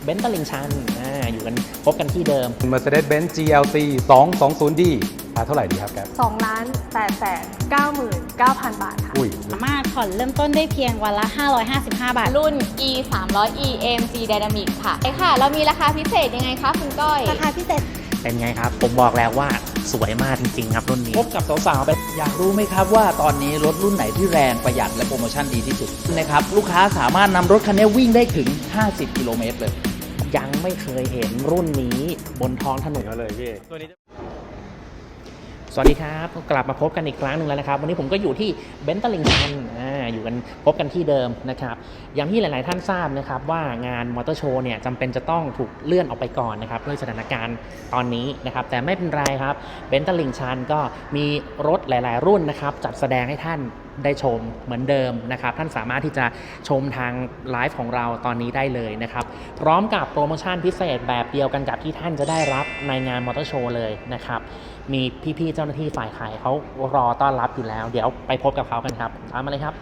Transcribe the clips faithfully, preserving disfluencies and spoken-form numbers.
เบนซ์ตลิ่งชันอ่าอยู่กันพบกันที่เดิม Mercedes-Benz จี แอล ซี สองสองศูนย์ดี ราคาเท่าไหร่ดีครับแกสองล้านแปดแสนเก้าหมื่นเก้าพัน บาทค่ะอุ้ยสามารถผ่อนเริ่มต้นได้เพียงวันละ ห้าร้อยห้าสิบห้า บาทรุ่น E สามร้อย E เอ เอ็ม จี Dynamic ค่ะใช่ค่ะ เรามีราคาพิเศษยังไงคะคุณก้อยราคาพิเศษเป็นไงครับ ผมบอกแล้วว่าสวยมากจริงๆครับรุ่นนี้พบกับสาวๆไปอยากรู้ไหมครับว่าตอนนี้รถรุ่นไหนที่แรงประหยัดและโปรโมชั่นดีที่สุดนะครับลูกค้าสามารถนำรถคันนี้วิ่งได้ถึงห้าสิบกิโลเมตรเลยยังไม่เคยเห็นรุ่นนี้บนท้องถนนเลยพี่ตัวนี้สวัสดีครับกลับมาพบกันอีกครั้งหนึ่งแล้วนะครับวันนี้ผมก็อยู่ที่เบนซ์ตลิ่งชันอ่าอยู่กันพบกันที่เดิมนะครับอย่างที่หลายๆท่านทราบนะครับว่างานมอเตอร์โชว์เนี่ยจำเป็นจะต้องถูกเลื่อนออกไปก่อนนะครับด้วยสถานการณ์ตอนนี้นะครับแต่ไม่เป็นไรครับเบนซ์ตลิ่งชันก็มีรถหลายๆรุ่นนะครับจัดแสดงให้ท่านได้ชมเหมือนเดิมนะครับท่านสามารถที่จะชมทางไลฟ์ของเราตอนนี้ได้เลยนะครับพร้อมกับโปรโมชั่นพิเศษแบบเดียวกันกับที่ท่านจะได้รับในงานมอเตอร์โชว์เลยนะครับมีพี่ๆเจ้าหน้าที่ฝ่ายขายเขารอต้อนรับอยู่แล้วเดี๋ยวไปพบกับเขากันครับตามมาเลยครับ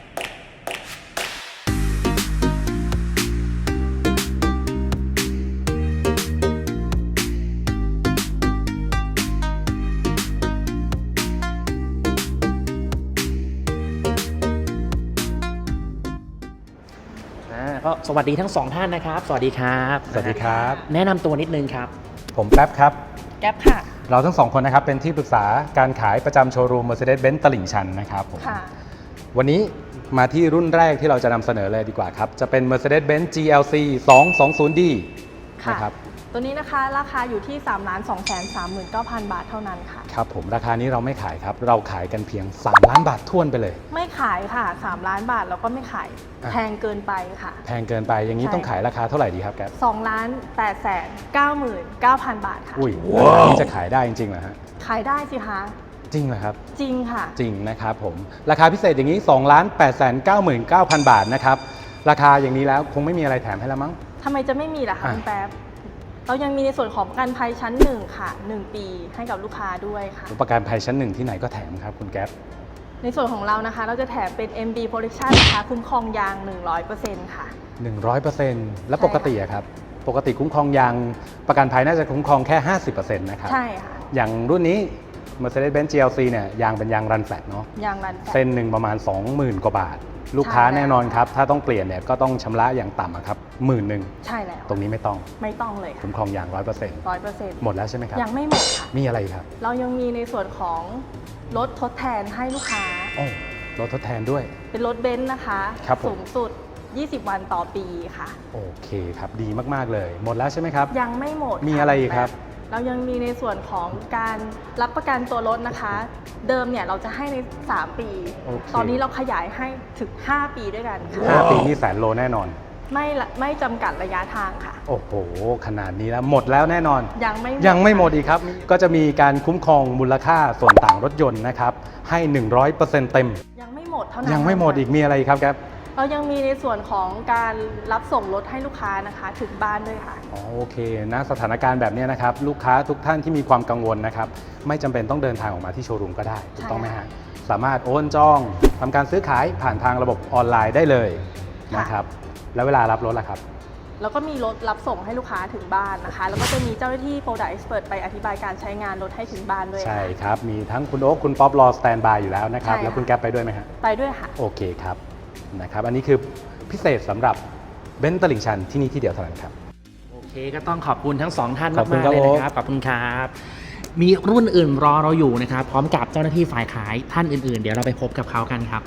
ก็สวัสดีทั้งสองท่านนะครับสวัสดีครับสวัสดีครับแนะนำตัวนิดนึงครับผมแป๊บครับแก๊ปค่ะเราทั้งสองคนนะครับเป็นที่ปรึกษาการขายประจำโชว์รูม Mercedes-Benz ตลิ่งชันนะครับผมค่ะวันนี้มาที่รุ่นแรกที่เราจะนำเสนอเลยดีกว่าครับจะเป็น Mercedes-Benz จี แอล ซี สองสองศูนย์ดีค่ะนะครับตัวนี้นะคะราคาอยู่ที่ สามล้านสองแสนสามหมื่นเก้าพัน บาทเท่านั้นค่ะครับผมราคานี้เราไม่ขายครับเราขายกันเพียงสามล้านบาทท้วนไปเลยไม่ขายค่ะ สาม ล้านบาทแล้วก็ไม่ขายอ่ะแพงเกินไปค่ะแพงเกินไปอย่างนี้ใช่ต้องขายราคาเท่าไหร่ดีครับแกสองล้านแปดแสนเก้าหมื่นเก้าพัน บาทค่ะอุ้ยราคานี้จะขายได้จริงๆเหรอฮะขายได้สิคะจริงเหรอครับจริงค่ะจริงนะครับผมราคาพิเศษอย่างนี้สองล้านแปดแสนเก้าหมื่นเก้าพัน บาทนะครับราคาอย่างนี้แล้วคงไม่มีอะไรแถมให้แล้วมั้งทำไมจะไม่มีล่ะคะอ่ะคุณแป๊บ เรายังมีในส่วนของประกันภัยชั้นหนึ่งค่ะหนึ่งปีให้กับลูกค้าด้วยค่ะประกันภัยชั้นหนึ่งที่ไหนก็แถมครับคุณแก๊ปในส่วนของเรานะคะ เราจะแถมเป็น เอ็ม บี Protection นะคะคุ้มครองยาง หนึ่งร้อยเปอร์เซ็นต์ ค่ะหนึ่งร้อยเปอร์เซ็นต์ แล้วใช่ปกติอะครับปกติคุ้มครองยางประกันภัยน่าจะคุ้มครองแค่ ห้าสิบเปอร์เซ็นต์ นะครับใช่ค่ะอย่างรุ่นนี้ Mercedes-Benz จี แอล ซี เนี่ยยางเป็นยางรันแฟลตเนาะยางรันแฟลตเส้นหนึ่งประมาณ สองหมื่น กว่าบาท ลูกค้าใช่แล้วแน่นอนครับ ถ้าต้องเปลี่ยนเนี่ยก็ต้องชำระอย่างต่ำอะครับหมื่นหนึ่งใช่แล้วตรงนี้ไม่ต้องไม่ต้องเลยค่ะคุ้มครองยาง ร้อยเปอร์เซ็นต์ร้อยเปอร์เซ็นต์หมดแล้วใช่ไหมครับยังไม่หมดค่ะมีอะไรอีกครับเรายังมีในส่วนของรถทดแทนให้ลูกค้าโอ้รถทดแทนด้วยเป็นรถเบนซ์นะคะครับผมสูงสุด ยี่สิบ วันต่อปีค่ะโอเคครับดีมากๆเลย หมดแล้วใช่ไหมครับยังไม่หมดมีค่อะไรอีกครับเรายังมีในส่วนของการรับประกันตัวรถนะคะ เดิมเนี่ยเราจะให้ใน สาม ปีโอเคตอนนี้เราขยายให้ถึง ห้า ปีด้วยกันค่ะห้าปีนี่แสนโลแน่นอนไม่ละไม่จำกัดระยะทางค่ะโอ้โห ขนาดนี้แล้วหมดแล้วแน่นอนยังไม่ยังไม่หมดอีกครับ ก็จะมีการคุ้มครองมูลค่าส่วนต่างรถยนต์นะครับ ให้ หนึ่งร้อยเปอร์เซ็นต์ เต็มยังไม่หมดเท่านั้นยังไม่หมดอีกมีอะไรอีกครับแก๊ปเรายังมีในส่วนของการรับส่งรถให้ลูกค้านะคะ ถึงบ้านด้วยค่ะอ๋อโอเคนะสถานการณ์แบบนี้นะครับ ลูกค้าทุกท่านที่มีความกังวลนะครับ ไม่จำเป็นต้องเดินทางออกมาที่โชว์รูมก็ได้ถูกต้องไหมฮะสามารถโอนจองทำการซื้อขายผ่านทางระบบออนไลน์ได้เลยนะครับแล้วเวลารับรถล่ะครับแล้วก็มีรถรับส่งให้ลูกค้าถึงบ้านนะคะ แล้วก็จะมีเจ้าหน้าที่ Product Expert ไปอธิบายการใช้งานรถให้ถึงบ้านด้วยใช่ค่ะครับ มีทั้งคุณโอ๊คคุณป๊อปรอสแตนบายอยู่แล้วนะครับใช่ค่ะแล้วคุณแก๊ปไปด้วยไหมฮะไปด้วยค่ะโอเคครับนะครับ อันนี้คือพิเศษสำหรับเบนซ์ตลิ่งชันที่นี่ที่เดียวเท่านั้นครับโอเคก็ต้องขอบคุณทั้งสองท่านขอบคุณมากๆครับเลยนะครับขอบคุณครับมีรุ่นอื่นรอเราอยู่นะครับพร้อมกับเจ้าหน้าที่ฝ่ายขายท่านอื่นๆ เดี๋ยวเราไปพบกับเขากันครับ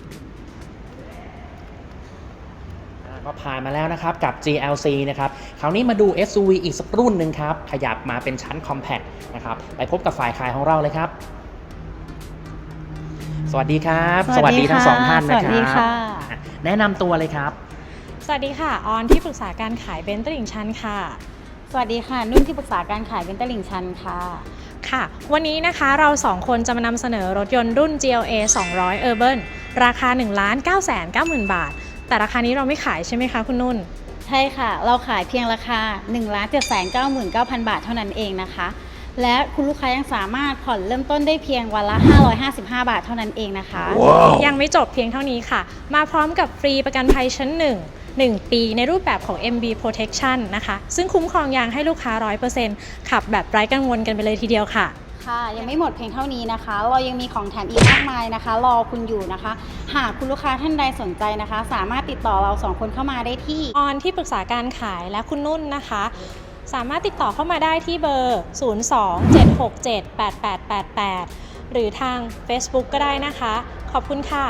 ก็ผ่านมาแล้วนะครับกับ จี แอล ซี นะครับคราวนี้มาดู เอส ยู วี อีกสักรุ่นหนึ่งครับขยับมาเป็นชั้น Compact นะครับไปพบกับฝ่ายขายของเราเลยครับสวัสดีครับทั้งสองท่านนะครับสวัสดีค่ะแนะนำตัวเลยครับสวัสดีค่ะ ออนที่ปรึกษาการขายเบนซ์ตลิ่งชันค่ะสวัสดีค่ะ นุ่นที่ปรึกษาการขายเบนซ์ตลิ่งชันค่ะค่ะ วันนี้นะคะเราสองคนจะมานำเสนอรถยนต์รุ่น จี แอล เอ สองร้อย Urban ราคา หนึ่งล้านเก้าแสนเก้าหมื่น บาท แต่ราคานี้เราไม่ขายใช่ไหมคะคุณนุ่นใช่ค่ะ เราขายเพียงราคา หนึ่งล้านเจ็ดแสนเก้าหมื่นเก้าพัน บาทเท่านั้นเองนะคะ และคุณลูกค้ายังสามารถผ่อนเริ่มต้นได้เพียงวันละ ห้าร้อยห้าสิบห้า บาทเท่านั้นเองนะคะยังไม่จบเพียงเท่านี้ค่ะ มาพร้อมกับฟรีประกันภัยชั้นหนึ่งหนึ่ง ปีในรูปแบบของ เอ็ม บี Protection นะคะซึ่งคุ้มครองยางให้ลูกค้า ร้อยเปอร์เซ็นต์ ขับแบบไร้กังวลกันไปเลยทีเดียวค่ะค่ะยังไม่หมดเพียงเท่านี้นะคะ เรายังมีของแถมอีกมากมายนะคะ รอคุณอยู่นะคะ หากคุณลูกค้าท่านใดสนใจนะคะ สามารถติดต่อเราสองคนเข้ามาได้ที่ออนที่ปรึกษาการขายและคุณนุ่นนะคะ สามารถติดต่อเข้ามาได้ที่เบอร์ ศูนย์ สอง เจ็ด หก เจ็ด แปด แปด แปด แปด หรือทาง Facebook ก็ได้นะคะ ขอบคุณค่ะ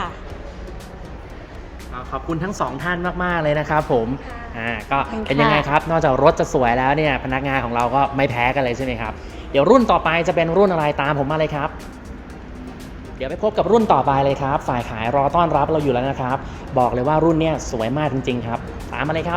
ขอบคุณทั้งสองท่านมากๆเลยนะครับผมอ่าก็ขอบคุณค่ะเป็นยังไงครับนอกจากรถจะสวยแล้วเนี่ยพนักงานของเราก็ไม่แพ้กันเลยใช่ไหมครับเดี๋ยวรุ่นต่อไปจะเป็นรุ่นอะไรตามผมมาเลยครับเดี๋ยวไปพบกับรุ่นต่อไปเลยครับฝ่ายขายรอต้อนรับเราอยู่แล้วนะครับบอกเลยว่ารุ่นเนี้ยสวยมากจริงๆครับตามมาเลยครับ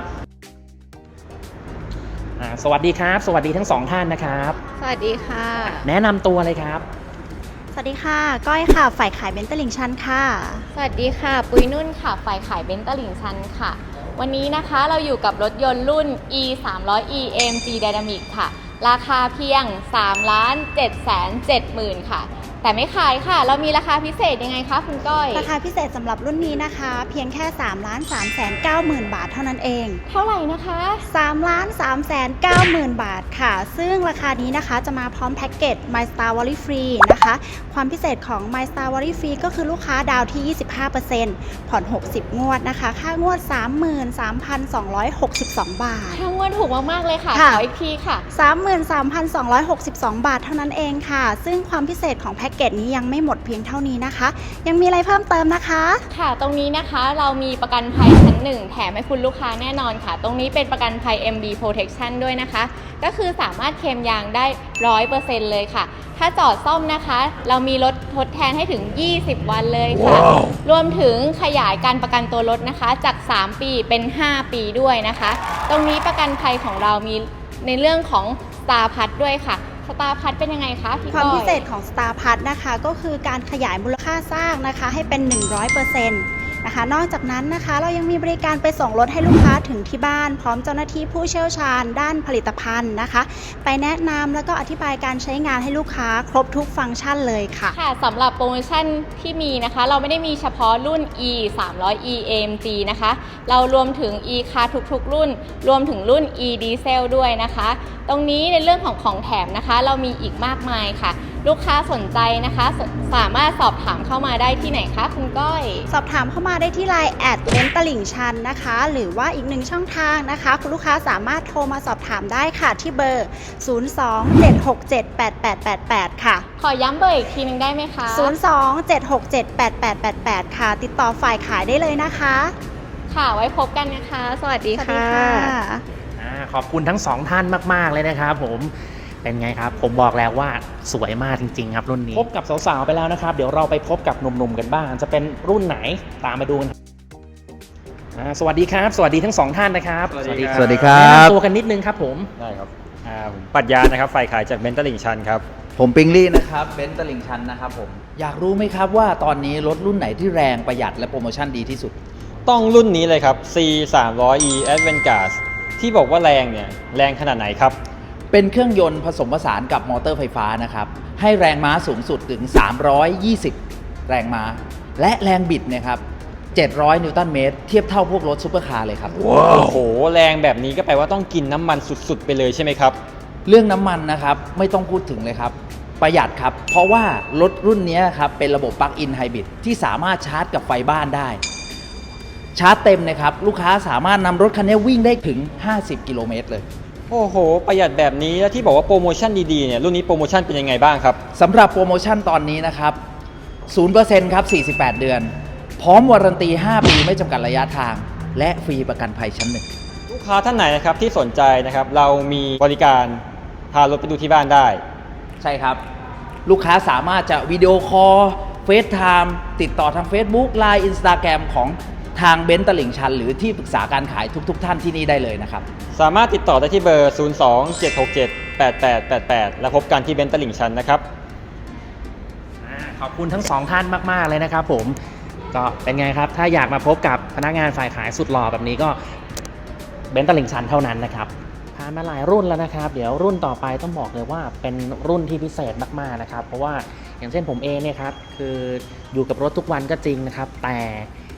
อ่าสวัสดีครับสวัสดีทั้งสองท่านนะครับสวัสดีค่ะแนะนำตัวเลยครับสวัสดีค่ะ ก้อยค่ะ ฝ่ายขายเบนซ์ตลิ่งชันค่ะสวัสดีค่ะ ปุ้ยนุ่นค่ะ ฝ่ายขายเบนซ์ตลิ่งชันค่ะ วันนี้นะคะเราอยู่กับรถยนต์รุ่น อี สามร้อย อี เอ เอ็ม จี Dynamic ค่ะ ราคาเพียง สามล้านเจ็ดแสนเจ็ดหมื่น ค่ะ แต่ไม่ขายค่ะ เรามีราคาพิเศษยังไงคะคุณก้อยราคาพิเศษสำหรับรุ่นนี้นะคะ เพียงแค่ สามล้านสามแสนเก้าหมื่น บาทเท่านั้นเองเท่าไหร่นะคะสามล้านสามแสนเก้าหมื่น บาทค่ะ ซึ่งราคานี้นะคะจะมาพร้อมแพ็กเกจ My Star Worry Free นะคะ ความพิเศษของ My Star Worry Free ก็คือลูกค้าดาวที่ ยี่สิบห้าเปอร์เซ็นต์ ผ่อน หกสิบ งวดนะคะ ค่างวด สามหมื่นสามพันสองร้อยหกสิบสอง บาททั้งวันถูกมากๆเลยค่ะค่ะขออีกทีค่ะสามหมื่นสามพันสองร้อยหกสิบสอง บาทเท่านั้นเองค่ะ ซึ่งความพิเศษของแพ็กเกจนี้ยังไม่หมดเพียงเท่านี้นะคะ ยังมีอะไรเพิ่มเติมนะคะค่ะ ตรงนี้นะคะเรามีประกันภัยชั้นหนึ่งแถมให้คุณลูกค้าแน่นอนค่ะ ตรงนี้เป็นประกันภัย เอ็ม บี Protection ด้วยนะคะ ก็คือสามารถเคลมยางได้ ร้อยเปอร์เซ็นต์ เลยค่ะ ถ้าจอดซ่อมนะคะ เรามีรถทดแทนให้ถึง ยี่สิบ วันเลยค่ะ wow. รวมถึงขยายการประกันตัวรถนะคะ จาก สาม ปีเป็น ห้า ปีด้วยนะคะ ตรงนี้ประกันภัยของเรามีในเรื่องของ Star Plus ด้วยค่ะสตาร์พัทเป็นยังไงคะพี่ก้อยความพิเศษของ Star Plus นะคะก็คือการขยายมูลค่าสร้างนะคะให้เป็น หนึ่งร้อยเปอร์เซ็นต์ นะคะนอกจากนั้นนะคะเรายังมีบริการไปส่งรถให้ลูกค้าถึงที่บ้านพร้อมเจ้าหน้าที่ผู้เชี่ยวชาญด้านผลิตภัณฑ์นะคะไปแนะนำแล้วก็อธิบายการใช้งานให้ลูกค้าครบทุกฟังก์ชันเลยค่ะค่ะสำหรับโปรโมชั่นที่มีนะคะเราไม่ได้มีเฉพาะรุ่น E สามร้อย อี เอ เอ็ม จี นะคะเรารวมถึง E Car ทุกๆรุ่นรวมถึงรุ่น E Diesel ด้วยนะคะตรงนี้ในเรื่องของของแถมนะคะเรามีอีกมากมายค่ะลูกค้าสนใจนะคะสสามารถสอบถามเข้ามาได้ที่ไหนคะคุณก้อยสอบถามเข้ามาได้ที่ ไลน์ แอด เบนซ์ตลิ่งชันนะคะหรือว่าอีกหนึ่งช่องทางนะคะคุณลูกค้าสามารถโทรมาสอบถามได้ค่ะที่เบอร์ ศูนย์ สอง เจ็ด หก เจ็ด แปด แปด แปด แปด ค่ะขอย้ำเบอร์อีกทีนึงได้ไหมคะศูนย์ สอง เจ็ด หก เจ็ด แปด แปด แปด แปด ค่ะติดต่อฝ่ายขายได้เลยนะคะค่ะไว้พบกันนะคะสวัสดีค่ะขอบคุณทั้งสองท่านมากๆเลยนะครับผมเป็นไงครับผมบอกแล้วว่าสวยมากจริงๆครับรุ่นนี้พบกับสาวๆไปแล้วนะครับเดี๋ยวเราไปพบกับหนุ่มๆกันบ้างจะเป็นรุ่นไหนตามมาดูกันสวัสดีครับสวัสดีทั้งสองท่านนะครับสวัสดีครับสวัสดีครับแนะนำตัวกันนิดนึงครับผมได้ครับผมปรัชญานะครับฝ่ายขายจากเบนซ์ตลิ่งชันครับผมปิงลี่นะครับเบนซ์ตลิ่งชันนะครับผมอยากรู้ไหมครับว่าตอนนี้รถรุ่นไหนที่แรงประหยัดและโปรโมชั่นดีที่สุดต้องรุ่นนี้เลยครับ ซี สามร้อย อี Advantage ที่บอกว่าแรงเนี่ยแรงขนาดไหนครับเป็นเครื่องยนต์ผสมผสานกับมอเตอร์ไฟฟ้านะครับให้แรงม้าสูงสุดถึงสามร้อยยี่สิบแรงม้าและแรงบิดเนี่ยครับเจ็ดร้อยนิวตันเมตรเทียบเท่าพวกรถซุปเปอร์คาร์เลยครับว้าวโอ้โหแรงแบบนี้ก็แปลว่าต้องกินน้ำมันสุดๆไปเลยใช่ไหมครับเรื่องน้ำมันนะครับไม่ต้องพูดถึงเลยครับประหยัดครับเพราะว่ารถรุ่นนี้ครับเป็นระบบปลั๊กอินไฮบริดที่สามารถชาร์จกับไฟบ้านได้ชาร์จเต็มนะครับลูกค้าสามารถนำรถคันนี้วิ่งได้ถึงห้าสิบกิโลเมตรเลยโอ้โหประหยัดแบบนี้แล้วที่บอกว่าโปรโมชั่นดีๆเนี่ยรุ่นนี้โปรโมชั่นเป็นยังไงบ้างครับสำหรับโปรโมชั่นตอนนี้นะครับ ศูนย์เปอร์เซ็นต์ ครับสี่สิบแปดเดือนพร้อมวารันตีห้าปีไม่จำกัดระยะทางและฟรีประกันภัยชั้นหนึ่งลูกค้าท่านไหนนะครับที่สนใจนะครับเรามีบริการพารถไปดูที่บ้านได้ใช่ครับลูกค้าสามารถจะวิดีโอคอลเฟซไทม์ติดต่อทาง Facebook ไลน์ Instagram ของทางเบนซ์ตลิ่งชันหรือที่ปรึกษาการขายทุกๆ ท่านที่นี่ได้เลยนะครับสามารถติดต่อได้ที่เบอร์ ศูนย์ สอง เจ็ด หก เจ็ด แปด แปด แปด แปด และพบกันที่เบนซ์ตลิ่งชันนะครับขอบคุณทั้งสองท่านมากๆเลยนะครับผมก็เป็นไงครับถ้าอยากมาพบกับพนักงานฝ่ายขายสุดหล่อแบบนี้ก็เบนซ์ตลิ่งชันเท่านั้นนะครับผ่านมาหลายรุ่นแล้วนะครับเดี๋ยวรุ่นต่อไปต้องบอกเลยว่าเป็นรุ่นที่พิเศษมากๆนะครับเพราะว่าอย่างเช่นผมเองเนี่ยครับคืออยู่กับรถทุกวันก็จริงนะครับแต่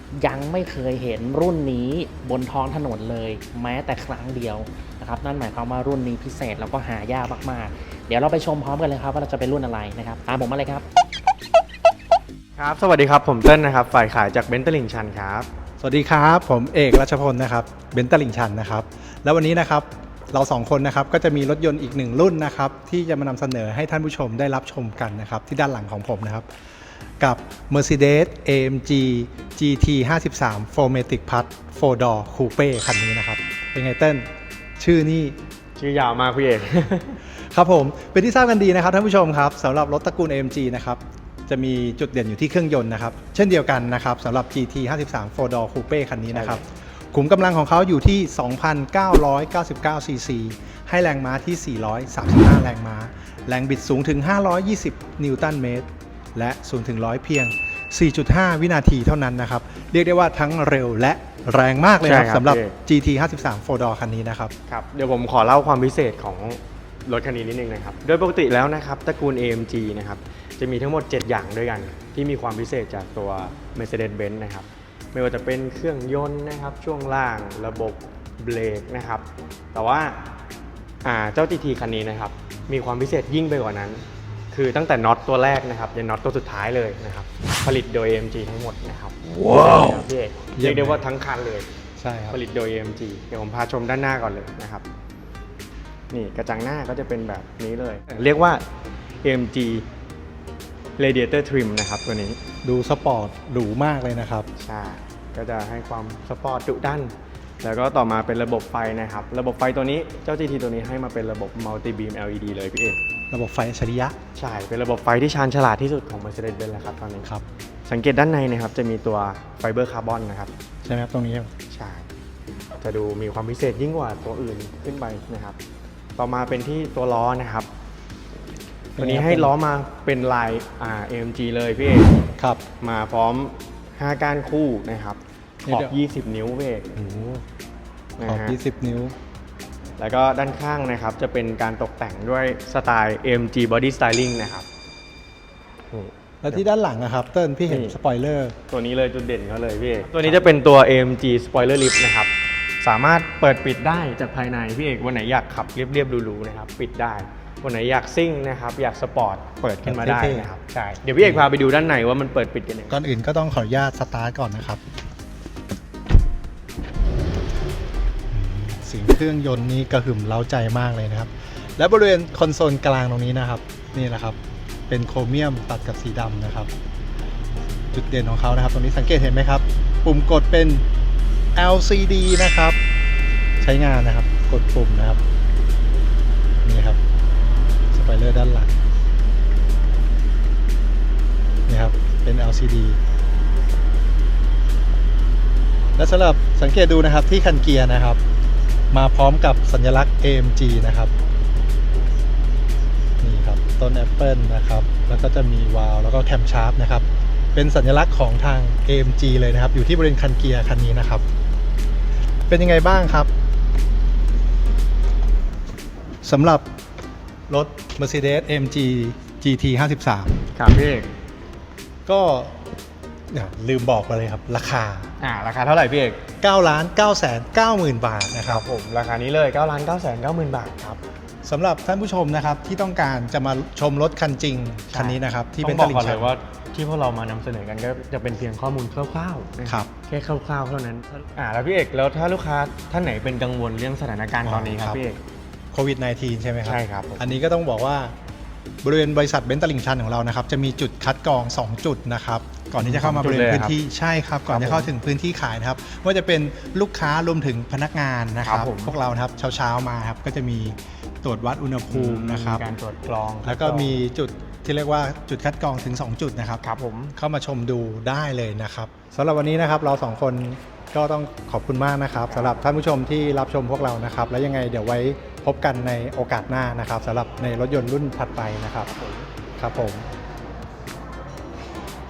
ยังไม่เคยเห็นรุ่นนี้บนท้องถนนเลยแม้แต่ครั้งเดียวนะครับนั่นหมายความว่ารุ่นนี้พิเศษแล้วก็หายากมากๆเดี๋ยวเราไปชมพร้อมกันเลยครับว่าเราจะเป็นรุ่นอะไรนะครับตามผมมาเลยครับครับสวัสดีครับผมเต้นนะครับฝ่ายขายจากเบนซ์ตลิ่งชันครับสวัสดีครับผมเอกรัชพลนะครับเบนซ์ตลิ่งชันนะครับแล้ววันนี้นะครับเราสองคนนะครับก็จะมีรถยนต์อีกหนึ่งรุ่นนะครับที่จะมานำเสนอให้ท่านผู้ชมได้รับชมกันนะครับที่ด้านหลังของผมนะครับกับ Mercedes เอ เอ็ม จี จี ที ห้าสิบสาม โฟร์ matic Plus โฟร์ door Coupe คันนี้นะครับเป็นไงเต้นชื่อนี่ชื่อยาวมากพี่เอกครับผมเป็นที่ทราบกันดีนะครับท่านผู้ชมครับสำหรับรถตระกูล เอ เอ็ม จี นะครับจะมีจุดเด่นอยู่ที่เครื่องยนต์นะครับเช่นเดียวกันนะครับสำหรับ จี ที ห้าสิบสาม โฟร์ door Coupe คันนี้นะครับขุมกำลังของเขาอยู่ที่ สองพันเก้าร้อยเก้าสิบเก้า ซี ซี ให้แรงม้าที่ สี่ร้อยสามสิบห้า แรงม้าแรงบิดสูงถึง ห้าร้อยยี่สิบ นิวตันเมตรและศูนย์ถึงร้อยเพียง สี่จุดห้า วินาทีเท่านั้นนะครับเรียกได้ว่าทั้งเร็วและแรงมากเลยครับสำหรับ จี ที ห้าสิบสาม โฟร์ door คันนี้นะครับครับเดี๋ยวผมขอเล่าความพิเศษของรถคันนี้นิดนึงนะครับโดยปกติแล้วนะครับตระกูล เอ เอ็ม จี นะครับจะมีทั้งหมดเจ็ดอย่างด้วยกันที่มีความพิเศษจากตัว Mercedes-Benz นะครับไม่ว่าจะเป็นเครื่องยนต์นะครับช่วงล่างระบบเบรกนะครับแต่ว่าเจ้า จี ที คันนี้นะครับมีความพิเศษยิ่งไปกว่านั้นคือตั้งแต่น็อตตัวแรกนะครับยันน็อตตัวสุดท้ายเลยนะครับผลิตโดย เอ เอ็ม จี ทั้งหมดนะครับว้าวพี่เอกเรียกได้ว่าทั้งคันเลยใช่ครับผลิตโดย เอ เอ็ม จี เดี๋ยวผมพาชมด้านหน้าก่อนเลยนะครับนี่กระจังหน้าก็จะเป็นแบบนี้เลยเรียกว่า เอ็ม จี Radiator Trim นะครับตัวนี้ดูสปอร์ตหรูมากเลยนะครับใช่ก็จะให้ความสปอร์ตดุดันแล้วก็ต่อมาเป็นระบบไฟนะครับระบบไฟตัวนี้เจ้า จี ที ตัวนี้ให้มาเป็นระบบ Multi Beam แอล อี ดี เลยพี่เอกระบบไฟอัจฉริยะใช่เป็นระบบไฟที่ชาญฉลาดที่สุดของ Mercedes-Benz แล้วครับตอนนี้ครับสังเกตด้านในนะครับจะมีตัวไฟเบอร์คาร์บอนนะครับใช่ไหมครับตรงนี้ใช่จะดูมีความพิเศษยิ่งกว่าตัวอื่นขึ้นไปนะครับต่อมาเป็นที่ตัวล้อนะครับตัวนี้ให้ล้อมาเป็นลาย อ่า เอ็ม จี เลยพี่เอกครับมาพร้อมห้าก้านคู่นะครับขอบยี่สิบนิ้วพี่เอกขอบยี่สิบนิ้วแล้วก็ด้านข้างนะครับจะเป็นการตกแต่งด้วยสไตล์ เอ็ม จี Body Styling นะครับแล้วที่ด้านหลังนะครับเติ้ลพี่เห็นสปอยเลอร์ตัวนี้เลยจุดเด่นเขาเลยพี่ตัวนี้จะเป็นตัว เอ็ม จี Spoiler Lift นะครับสามารถเปิดปิดได้จากภายในพี่เอกวันไหนอยากขับเรียบๆหรูๆนะครับปิดได้วันไหนอยากซิ่งนะครับอยากสปอร์ตเปิดขึ้นมาได้นะครับใช่เดี๋ยวพี่เอกพาไปดูด้านในว่ามันเปิดปิดกันยังไงก่อนอื่นก็ต้องขออนุญาตสตาร์ทก่อนนะครับเสียงเครื่องยนต์นี้กระหึ่มเร้าใจมากเลยนะครับและบริเวณคอนโซลกลางตรงนี้นะครับนี่แหละครับเป็นโครเมียมตัดกับสีดำนะครับจุดเด่นของเขานะครับตรงนี้สังเกตเห็นไหมครับปุ่มกดเป็น แอล ซี ดี นะครับใช้งานนะครับกดปุ่มนะครับนี่ครับสปอยเลอร์ด้านหลังนี่ครับเป็น แอล ซี ดี และสำหรับสังเกตดูนะครับที่คันเกียร์นะครับมาพร้อมกับสัญลักษณ์ เอ เอ็ม จี นะครับนี่ครับต้นแอปเปิลนะครับแล้วก็จะมีวาล์วแล้วก็แคมชาร์ปนะครับเป็นสัญลักษณ์ของทาง เอ เอ็ม จี เลยนะครับอยู่ที่บริเวณคันเกียร์คันนี้นะครับเป็นยังไงบ้างครับสำหรับรถ Mercedes เอ็ม จี จี ที ห้าสิบสามครับพี่เอกก็ลืมบอกไปเลยครับราคาอ่าราคาเท่าไหร่พี่เอกเก้าล้านเก้าแสนเก้าหมื่นบาทนะครับผมราคานี้เลยเก้าล้านเก้าแสนเก้าหมื่นบาทครับสำหรับท่านผู้ชมนะครับที่ต้องการจะมาชมรถคันจริงคันนี้นะครับที่เป็นตลิ่งชันว่าที่พวกเรามานำเสนอกันก็จะเป็นเพียงข้อมูลคร่าวๆนะครับแค่คร่าวๆเท่านั้นอ่าแล้วพี่เอกแล้วถ้าลูกค้าท่านไหนเป็นกังวลเรื่องสถานการณ์ตอนนี้ครับพี่เอกโควิด สิบเก้า ใช่ไหมครับใช่ครับอันนี้ก็ต้องบอกว่าบริเวณบริษัทเบนซ์ตลิ่งชันของเรานะครับจะมีจุดคัดกรองสองจุดนะครับก่อนที่จะเข้ามาบริเวณพื้นที่ใช่ครับก่อนจะเข้าถึงพื้นที่ขายนะครับว่าจะเป็นลูกค้ารวมถึงพนักงานนะครับพวกเรานะครับเช้าๆมาครับก็จะมีตรวจวัดอุณหภูมินะครับการตรวจกรองแล้วก็มีจุดที่เรียกว่าจุดคัดกรองถึงสองจุดนะครับครับผมเข้ามาชมดูได้เลยนะครับสำหรับวันนี้นะครับเราสองคนก็ต้องขอบคุณมากนะครับสำหรับท่านผู้ชมที่รับชมพวกเรานะครับแล้วยังไงเดี๋ยวไว้พบกันในโอกาสหน้านะครับสำหรับในรถยนต์รุ่นถัดไปนะครับครับผม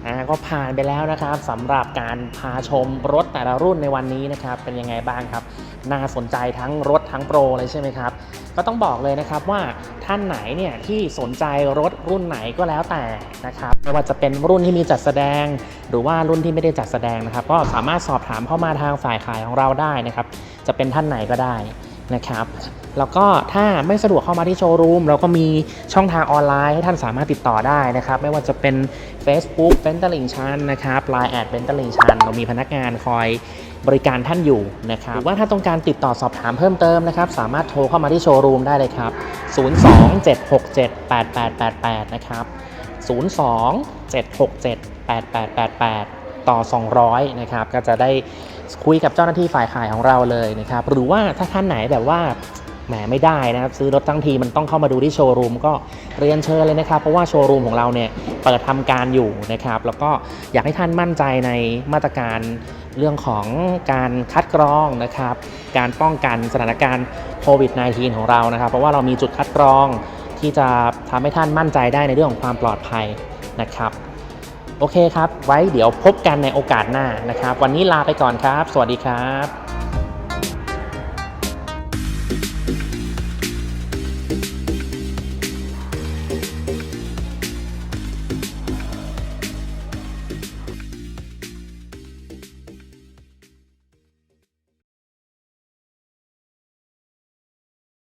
อ่าก็ผ่านไปแล้วนะครับสำหรับการพาชมรถแต่ละรุ่นในวันนี้นะครับเป็นยังไงบ้างครับน่าสนใจทั้งรถทั้งโปรเลยใช่ไหมครับก็ต้องบอกเลยนะครับว่าท่านไหนเนี่ยที่สนใจรถรุ่นไหนก็แล้วแต่นะครับไม่ว่าจะเป็นรุ่นที่มีจัดแสดงหรือว่ารุ่นที่ไม่ได้จัดแสดงนะครับก็สามารถสอบถามเข้ามาทางฝ่ายขายของเราได้นะครับจะเป็นท่านไหนก็ได้นะครับแล้วก็ถ้าไม่สะดวกเข้ามาที่โชว์รูมเราก็มีช่องทางออนไลน์ให้ท่านสามารถติดต่อได้นะครับไม่ว่าจะเป็น Facebook เบนตลิ่งชันนะครับ ไลน์ แอดเบนตลิ่งชันเรามีพนักงานคอยบริการท่านอยู่นะครับหรือว่าถ้าต้องการติดต่อสอบถามเพิ่มเติมนะครับสามารถโทรเข้ามาที่โชว์รูมได้เลยครับศูนย์ สอง เจ็ด หก เจ็ด แปด แปด แปด แปดนะครับศูนย์ สอง เจ็ด หก เจ็ด แปด แปด แปด แปดต่อสองร้อยนะครับก็จะได้คุยกับเจ้าหน้าที่ฝ่ายขายของเราเลยนะครับหรือว่าถ้าท่านไหนแบบว่าแหมไม่ได้นะครับซื้อรถทั้งทีมันต้องเข้ามาดูที่โชว์รูมก็เรียนเชิญเลยนะครับเพราะว่าโชว์รูมของเราเนี่ยเปิดทำการอยู่นะครับแล้วก็อยากให้ท่านมั่นใจในมาตรการเรื่องของการคัดกรองนะครับการป้องกันสถานการณ์โควิด สิบเก้า ของเรานะครับเพราะว่าเรามีจุดคัดกรองที่จะทำให้ท่านมั่นใจได้ในเรื่องของความปลอดภัยนะครับโอเคครับไว้เดี๋ยวพบกันในโอกาสหน้านะครับวันนี้ลาไปก่อนครับสวัสดีครับ